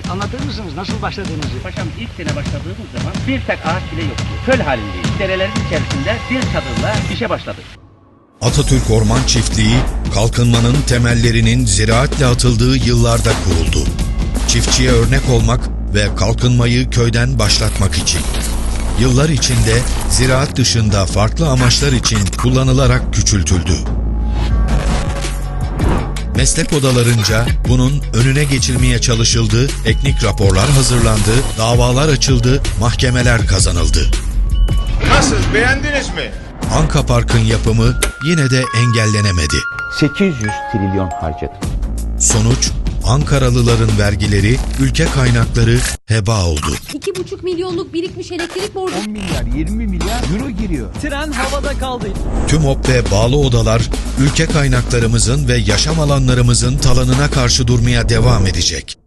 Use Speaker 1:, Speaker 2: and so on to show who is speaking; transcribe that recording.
Speaker 1: Anlatır mısınız nasıl başladığınızı?
Speaker 2: Paşam ilk sene başladığımız zaman bir tek ağaç bile yoktu. Köl halindeyiz. Derelerin içerisinde bir çadırla işe başladık.
Speaker 3: Atatürk Orman Çiftliği, kalkınmanın temellerinin ziraatle atıldığı yıllarda kuruldu. Çiftçiye örnek olmak ve kalkınmayı köyden başlatmak için. Yıllar içinde ziraat dışında farklı amaçlar için kullanılarak küçültüldü. Meslek odalarınca bunun önüne geçilmeye çalışıldı, teknik raporlar hazırlandı, davalar açıldı, mahkemeler kazanıldı.
Speaker 4: Nasıl, beğendiniz mi?
Speaker 3: Anka Park'ın yapımı yine de engellenemedi.
Speaker 5: 800 trilyon harcadık.
Speaker 3: Sonuç, Ankaralıların vergileri, ülke kaynakları heba oldu.
Speaker 6: 2,5 milyonluk birikmiş elektrik borcu.
Speaker 5: 10 milyar, 20 milyar euro giriyor.
Speaker 7: Tren havada kaldı.
Speaker 3: TÜMOP ve bağlı odalar, ülke kaynaklarımızın ve yaşam alanlarımızın talanına karşı durmaya devam edecek.